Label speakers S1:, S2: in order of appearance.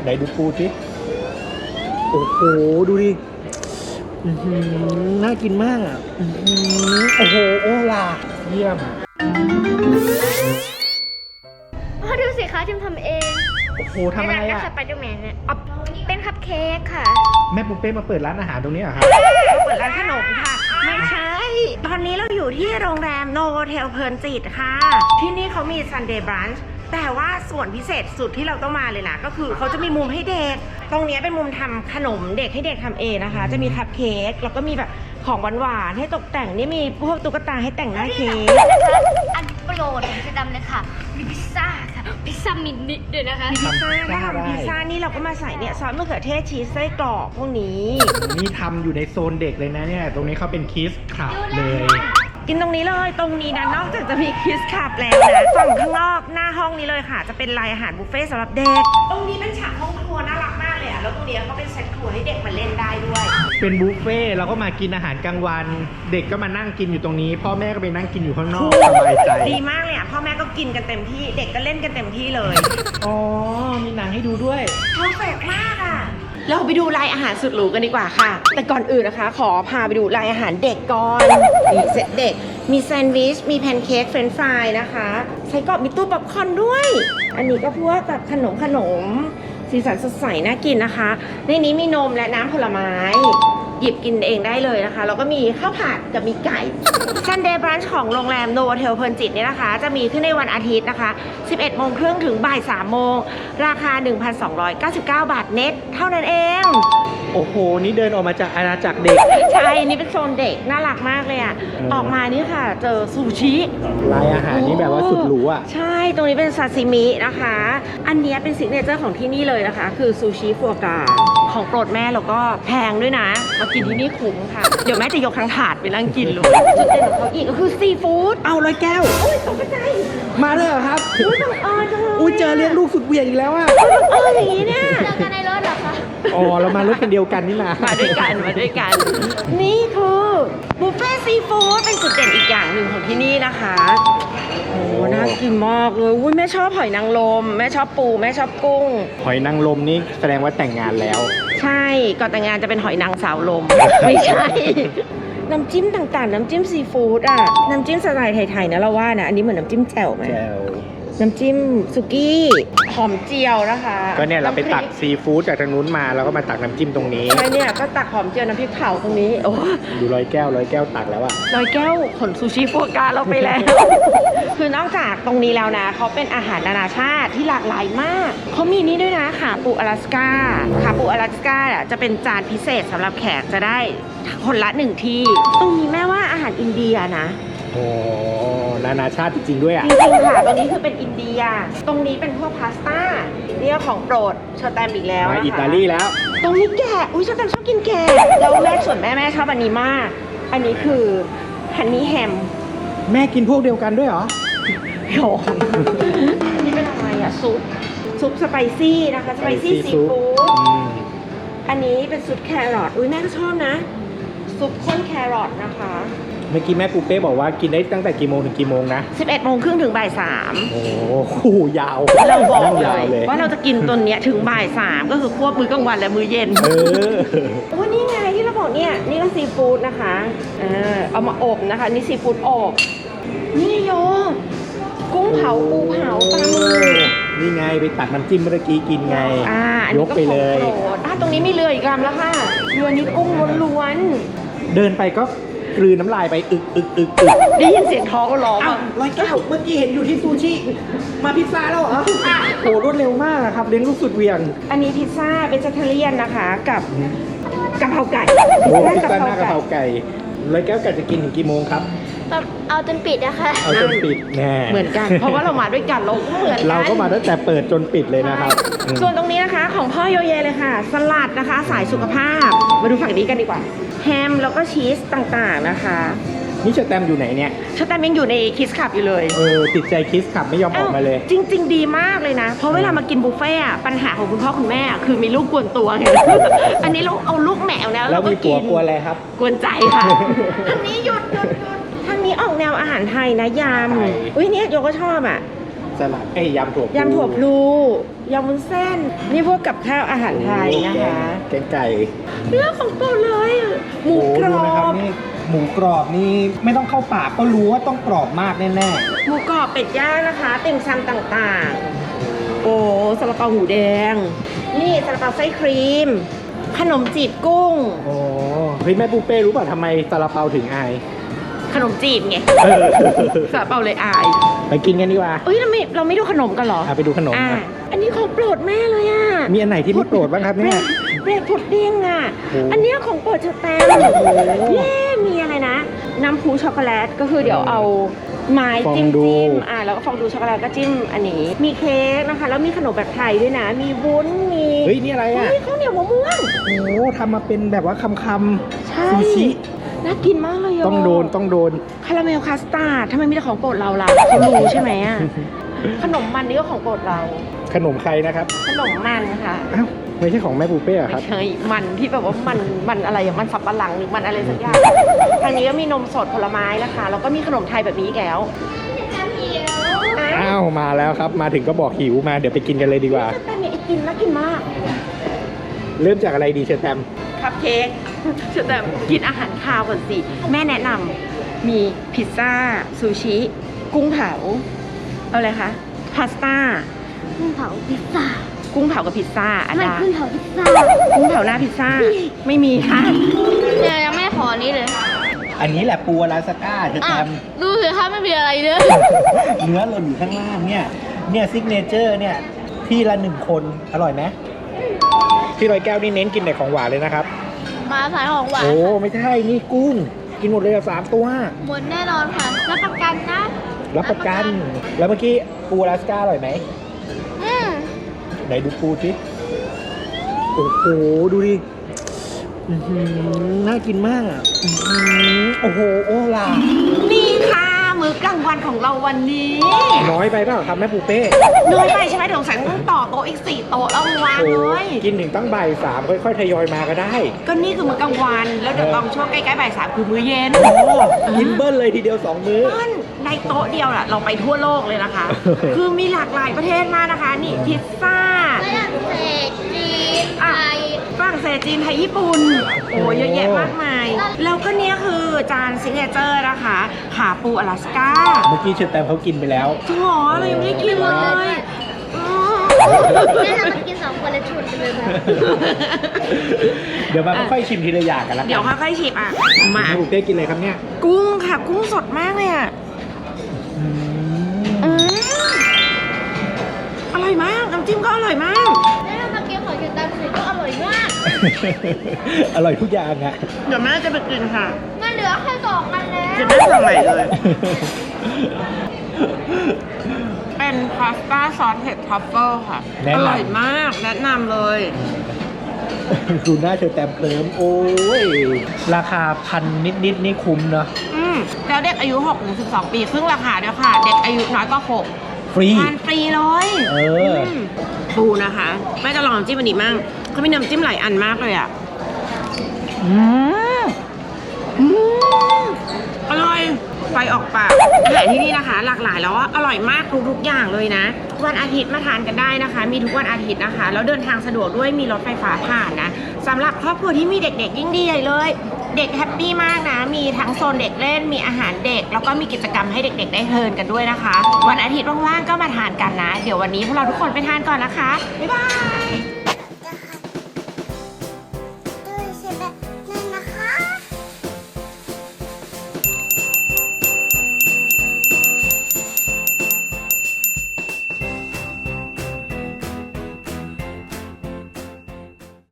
S1: ไหนดูปูสิโอ้โหดูดิน่ากินมากอ่ะโอ้โหโอ้ล่ะเยี่ยม
S2: ดูสิคะทิมทำเอง
S1: โอ้โหทำอะไรอ่ะ
S2: สไปเดอร์แมนเนี่ยเป็นคัพเค้กค่ะ
S1: แม่ปุ๊เป้มาเปิดร้านอาหารตรงนี้เหรอครับ
S3: เปิดร้านขนมค่ะไม่ใช่ตอนนี้เราอยู่ที่โรงแรมโนโวเทลเพลินจิตค่ะที่นี่เขามี Sunday Brunch แต่ว่าส่วนพิเศษสุดที่เราต้องมาเลยนะก็คือเขาจะมีมุมให้เด็กตรงนี้เป็นมุมทำขนมเด็กให้เด็กทำเองนะคะจะมีคัพเค้กแล้วก็มีแบบของหวานๆให้ตกแต่งนี่มีพวกตุ๊กตาให้แต่งหน้าเค้ก
S2: อันโปรดของเจดำเลยค่ะมีพิซซ่าค่ะพิซซ่ามินิด้วยนะคะ
S3: พิซซ่านี่เราก็มาใส่เนี่ยซอสมะเขือเทศชีสไส้กรอกพวกนี้
S1: นี่ทำอยู่ในโซนเด็กเลยนะเนี่ยตรงนี้เขาเป็นคิสคลับเลย
S3: กินตรงนี้เลยตรงนี้นะนอกจากจะมีคิสคลับแล้วนะฝั่งข้างนอกหน้าห้องนี้เลยค่ะจะเป็นรายอาหารบุฟเฟ่ต์สำหรับเด็กตรงนี้เป็นฉากห้องครัวน่ารักมากเลยอ่ะแล้วตรงนี้ก็เป็นเซตครัวให้เด็กมาเล่นได้ด้วย
S1: เป็นบุฟเฟ่เราก็มากินอาหารกลางวันเด็กก็มานั่งกินอยู่ตรงนี้พ่อแม่ก็ไปนั่งกินอยู่ข้างนอกสบายใจ
S3: ดีมากเลยอ่ะพ่อแม่ก็กินกันเต็มที่เด็กก็เล่นกันเต็มที่เลย
S1: อ๋อมีหนังให้ดูด้วย
S3: เพอร์เฟกต์มากอ่ะเราไปดูรายอาหารสุดหรูกันดีกว่าค่ะแต่ก่อนอื่นนะคะขอพาไปดูรายอาหารเด็กก่อนนี่เซตเด็กมีแซนด์วิชมีแพนเค้กเฟรนช์ฟรายนะคะไส้กรอกมีตู้ป๊อปคอร์นด้วยอันนี้ก็พวกแบบขนมสีสันสดใสน่ากินนะคะในนี้มีนมและน้ำผลไม้หยิบกินเองได้เลยนะคะแล้วก็มีข้าวผัดกับมีไก่ Sunday Brunch ของโรงแรมโนโวเทลเพลินจิตเนี่ยนะคะจะมีขึ้นในวันอาทิตย์นะคะ 11 โมงครึ่งถึงบ่าย 3 โมงราคา 1,299 บาทเน็ตเท่านั้นเอง
S1: โอ้โหนี่เดินออกมาจากอาณาจักรเด็ก
S3: ใช่นี่เป็นโซนเด็กน่ารักมากเลยอ่ะออกมานี่ค่ะเจอซูชิ
S1: รายอาหารนี่แบบว่าสุดหรูอ่ะ
S3: ใช่ตรงนี้เป็นซาซิมินะคะอันนี้เป็นซิกเนเจอร์ของที่นี่เลยนะคะคือซูชิฟัวกราของโปรดแม่แล้วก็แพงด้วยนะมากินที่นี่คุ้มค่ะเดี๋ยวแม่จะยกทั้งถาดไปนั่งกินเลยจุดเด่นของเขาอีกก็คือซีฟู้ด
S1: เอาเลยแก้ว
S3: อุ้ยตกใจ
S1: มาเลยเหรอครับ
S3: อุ้ยบังเอิญจังเลย
S1: อุ้ยเจอเลี้ยงลูกสุดเวียงอีกแล้วอ่ะ
S3: บังเอิญอย่างนี้เนี่ย
S2: เจอกันในรถเหรอคะ
S1: อ๋อเรามารถคันเดียวกันนี่นะ
S3: มาด้วยกันนี่คือบุฟเฟ่ซีฟู้ดเป็นจุดเด่นอีกอย่างหนึ่งของที่นี่นะคะโอ้น่ากินมากเลยอุ้ยแม่ชอบหอยนางรมแม่ชอบปูแม่ชอบกุ้ง
S1: หอยนางรมนี่แสดงว่าแต่งงานแล้ว
S3: ใช่ก่อนแต่งงานจะเป็นหอยนางสาวลมไม่ใช่น้ำจิ้มต่างๆน้ำจิ้มซีฟู้ดอ่ะน้ำจิ้มสไตล์ไทยๆนะเราว่านะอันนี้เหมือนน้ำจิ้มแจ่วไหมน้ำจิ้มสุกี้หอมเจียวนะคะ
S1: ก็เนี่ยเราไปตักซีฟู้ดจากทางนู้นมาแล้วก็มาตักน้ำจิ้มตรงนี้
S3: ใช่เนี่ยก็ตักหอมเจียวน้ำพริกเผาตรงนี้โอ้
S1: ดูร้อยแก้วตักแล้วอะ
S3: ร้อยแก้วขนซูชิฟัวกราเราไปแล้ว คือนอกจากตรงนี้แล้วนะเขาเป็นอาหารนานาชาติที่หลากหลายมากเขามีนี่ด้วยนะขาปูอลาสก้าขาปูอลาสก้าจะเป็นจานพิเศษสำหรับแขกจะได้คนละ1ที่ตรงนี้แม่ว่าอาหารอินเดียนะ
S1: โอ้นานาชาติจริงๆด้วยอ่ะ
S3: จริงๆค่ะตรงนี้คือเป็นอินเดียตรงนี้เป็นพวกพาสต้านี่ก็ของโปรดเชอร์แตมอีกแล้ว
S1: มาอิตาลีแล้ว
S3: ตรงนี้แกะอุ้ยเชอร์แตมชอบกินแกะแล้วแม่ส่วนแม่ชอบอันนี้มากอันนี้คือฮันนี่แฮม
S1: แม่กินพวกเดียวกันด้วยเหรอ
S3: โอ้นี่เป็นอะไรอะซุปสไปซี่นะคะสไปซี่ซีฟู้ดอันนี้เป็นซุปแครอทอุ้ยแม่ก็ชอบนะซุปข้นแครอทนะคะ
S1: เมื่อกี้แม่ปูเป้บอกว่ากินได้ตั้งแต่กี่โมงถึงกี่โมงนะ
S3: 11 โมงครึ่งถึงบ่าย 3
S1: โอ้โหยาว
S3: เราบอกเลยว่าเราจะกินตัวเนี้ยถึงบ่าย 3ก็คือควบมื้อกลางวันและมื้อเย็นโอ้นี่ไงที่เราบอกเนี่ยนี่ก็ซีฟู้ดนะคะเอามาอบนะคะนี่ซีฟู้ดอบนี่โยกุ้งเผาปูเผาปลาหมึก
S1: นี่ไงไปตักน้ำจิ้มเมื่อกี้กินไงยกไปเลย
S3: ตรงนี้มีเรืออีกลำแล้วค่ะเรือนี้กุ้งล้วน
S1: เดินไปก็กลืนน้ำลายไปอึก
S3: ได้ยินเสียงท้องร้อง
S1: ร้อยแก้วเมื่อกี้เห็นอยู่ที่ซูชิมาพิซซ่าแล้วเหรอโหรวดเร็วมากครับเลี้ยงลูกสุดเวียง
S3: อันนี้พิซซ่าเวจิเทเรียนนะคะกับกะเพราไก่
S1: พิซซ่าหน้ากะเพราไก่ร้อยแก้วไก่จะกินถึงกี่โมงครับ
S2: เอาจนปิดนะคะ
S1: เอาจนปิดแน่
S3: เหมือนกันเพราะว่าเรามาด้วยกันเราเหมือนกัน
S1: เราก็มาตั้งแต่เปิดจนปิดเลยนะครับ
S3: ส่วนตรงนี้นะคะของพ่อโยเยเลยค่ะสลัดนะคะสายสุขภาพมาดูฝั่งนี้กันดีกว่าแฮมแล้วก็ชีสต่างๆนะคะ
S1: นี่เชอร์แตมอยู่ไหนเนี่ย
S3: เชอร์แตมยังอยู่ในคิสคับอยู่เลย
S1: ติดใจคิสคับไม่ยอมออกมาเลย
S3: จริงๆดีมากเลยนะเพราะเวลามากินบุฟเฟ่อะปัญหาของคุณพ่อคุณแม่คือมีลูกกวนตัวไงอันนี้เราเอาลูกแมวแล้ว
S1: ก็กินกวนอะไรครับ
S3: กวนใจค่ะทางนี้หยุดทางนี้ออกแนวอาหารไทยนะยำอุ้ยเนี่ยโยก็ชอบอ่ะ
S1: สลัดยำถั่วพลู
S3: ยำถั่วพลูยำวุ้นเส้น นี่พวกกับข้าวอาหารไทยนะคะ
S1: แกงไก่
S3: เรื่องของโปรดเลยหมูกร
S1: ดู
S3: อ
S1: นะครับ นี่หมูกรอบนี่ไม่ต้องเข้าปากก็รู้ว่าต้องกรอบมากแน่
S3: หมูกรอบเป็ดย่างนะคะติ่มซำต่างๆ โอ้ซาลาเปาหมูแดง นี่ซาลาเปาไส้ครีม ขนมจีบกุ้ง
S1: ๆโอ้เฮ้ยแม่ปูเป้รู้ป่ะทำไมซาลาเปาถึงอาย
S3: ขนมจีบไงซาลาเปาเลยอาย
S1: ไปกินกันดีกว่า
S3: เอ้ยเราไม่ดูขนมกันเหรอ
S1: ไปดูขนม
S3: อ่ะ
S1: นะ
S3: อันนี้ของโปรดแม่เลยอ่ะ
S1: มีอันไหนที่ไม่โปรดบ้างครับเนี่ย
S3: เบรดพุดดิ้งอ่ะ
S1: โอ้
S3: อันเนี้ยของโปรดเชอแตมเย้มีอะไรนะ น้ำพูช็อกโกแลตก็คือเดี๋ยวเอาไม้จิ้มแล้วก็ฟองดูช็อกโกแลตก็จิ้มอันนี้ มีเค้กนะคะ แล้วมีขนมแบบไทยด้วยนะ มีวุ้น มี
S1: เฮ้ยนี่อะไรอ่ะ
S3: เฮ้ยข้าวเหนียวมะม่วง
S1: โอ้ทำมาเป็นแบบว่าคำ
S3: ใช่
S1: ซูชิ
S3: น่ากินมากเลยะ
S1: ต้องโดน
S3: คาราเมลคัสตาร์ดทำไมมีแต่ของโปรดเราล่ะเขารู้ใช่ไหมอ่ะ ขนมมันนี่ก็ของโปรดเรา
S1: ขนมใครนะครับ
S3: ขนมมันค่ะ
S1: อ้าวไม่ใช่ของแม่ปูเป้เหรอครับ
S3: ไม่ใช่มันที่แบบว่ามันอะไรอย่างมันสับปะหลังหรือมันอะไรสักอย่าง ทางนี้ก็มีนมสดผลไม้นะคะ แล้วก็มีขนมไทยแบบนี้อีกแล้ว
S1: อ้าวมาแล้วครับ มาถึงก็บอกหิวมาเดี๋ยวไปกินกันเลยดีกว่า
S3: แต่เนี่ยไอติมน่ากินมาก
S1: เริ่มจากอะไรดีเชอร์แตม
S3: คัพเค้กแต่กินอาหารคาวก่อนสิ แม่แนะนำมีพิซซ่าซูชิ กุ้งเผา เอาอะไรคะพาสต้า
S2: กุ้งเผาพิซซ่า
S3: กุ้งเผากับพิซซ่าอา
S2: ไม่
S3: ดา
S2: กุ้งเผาพิซซ่า
S3: กุ้งเผาหน้าพิซซ่า ไม่มีค่ะ
S2: เนี่ยยังไม่ขอนี้เลย
S1: อันนี้แหละปูอลาสก้าเชอร์แตม
S2: ดูสิถ้าไม่มีอะไรเลย
S1: เนื้อหล่นอยู่ข้างล่างเนี่ยซิกเนเจอร์เนี่ยที่ละ1 คนอร่อยไหมพี่ร้อยแก้วนี่เน้นกินแต่ของหวานเลยนะครับ
S2: มาสายของหวาน
S1: โอ้ไม่ใช่นี่กุ้ง กินหมดเลยอะ3 ตัว
S2: หมดแน่นอนค่ะรับประกันนะ
S1: รับประกัน แล้วเมื่อกี้ปูอลาสก้าอร่อยไหม
S2: อืม
S1: ไหนดูปูสิโอ้โหดูดิอื้อหือน่ากินมากอะอื้อหือโอ้โหโอ้ล่ะ
S3: นี่ค่ะมื้อกลางวันของเราวันนี้
S1: น้อยไปเปล่าครับแม่ปูเป้
S3: น้อยไปใช่ไหมเดี๋ยวสงสัยต้องต่อโต๊ะอีก4 โต๊ะแล้ววาง
S1: โอ้
S3: เลย
S1: กินถึงตั้งบ่าย3ค่อยๆทยอยมาก็ได้
S3: ก็นี่คือมื้อกลางวัน แล้วเดี๋ยวตอนช่วงใกล้ๆบ่าย 3คือมื้อเย็น
S1: โอ้กินเบิ้ลเลยทีเดียว2 มื้อ
S3: เปิ้ลในโต๊ะเดียวน่ะเราไปทั่วโลกเลยนะคะ คือมีหลากหลายประเทศมากนะคะ นี่พิซซ่า
S2: ฝรั่งเศสจีนไทย
S3: ฝรั่งเศสจีนไทยญี่ปุ่น โอ้เยอะแยะมากมาย แล้วก็เนี่ยคือจานซิกเนเจอร์นะคะขาปูอลาสก้า
S1: เมื่อกี้เชอร์แตมเขากินไปแล้ว
S3: จริงเหรอเรายังไม่ได้กินเลยอ๋อ
S2: แม่เรามากิน2 คนแล้วชวนกันเลยมา
S1: เดี๋ยวมาค่อยๆชิมทีละอย่างกันละกัน
S3: เดี๋ยวค่อยๆชิมอ่ะ มา
S1: แม่ปูเป้กินอะไรครับเนี่ย
S3: กุ้งค่ะ กุ้งสดมากเลยอ่ะ
S1: อืม
S3: อืมอร่อยมาก น้ำจิ้มก็อร่อยมาก
S2: แม่เรามากินของกินตามสูตรก็อร่อยมาก
S1: อร่อยทุกอย่างอะ
S3: เดี๋ยวแม่จะไปกินค่ะ
S2: มันเหลือแค่2 อันแล้ว
S3: จะไม่สั่งใหม่เลย เป็นพาสต้าซอสเห็ดทรัฟเฟิลค่ะ
S1: แนะนำ
S3: อร่อยมาก แนะนำเลย
S1: ดูหน้าเชอร์แตมเคลิ้มโอ้ย ราคา1,000 นิดๆนี่คุ้มเนาะ
S3: แล้วเด็กอายุ6 ถึง 12 ปีครึ่งราคาด้วยค่ะ เด็กอายุน้อยกว่า6
S1: ฟรี
S3: ทานฟรีเลย ปูนะคะแม่จะลองน้ำจิ้มอันนี้มั่งเขามีน้ำจิ้มหลายอันมากเลยอ่ะอร่อยไฟออกปากอาหารที่นี่นะคะ หลากหลายแล้วอร่อยมากทุกอย่างเลยนะ วันอาทิตย์มาทานกันได้นะคะ มีทุกวันอาทิตย์นะคะ แล้วเดินทางสะดวกด้วยมีรถไฟฟ้าผ่านนะสำหรับครอบครัวที่มีเด็กๆยิ่งดีใหญ่เลย เด็กแฮปปี้มากนะ มีทั้งโซนเด็กเล่นมีอาหารเด็ก แล้วก็มีกิจกรรมให้เด็กๆได้เพลินกันด้วยนะคะ วันอาทิตย์ว่างๆก็มาทานกันนะ เดี๋ยววันนี้พวกเราทุกคนไปทานก่อนนะคะบ๊ายบาย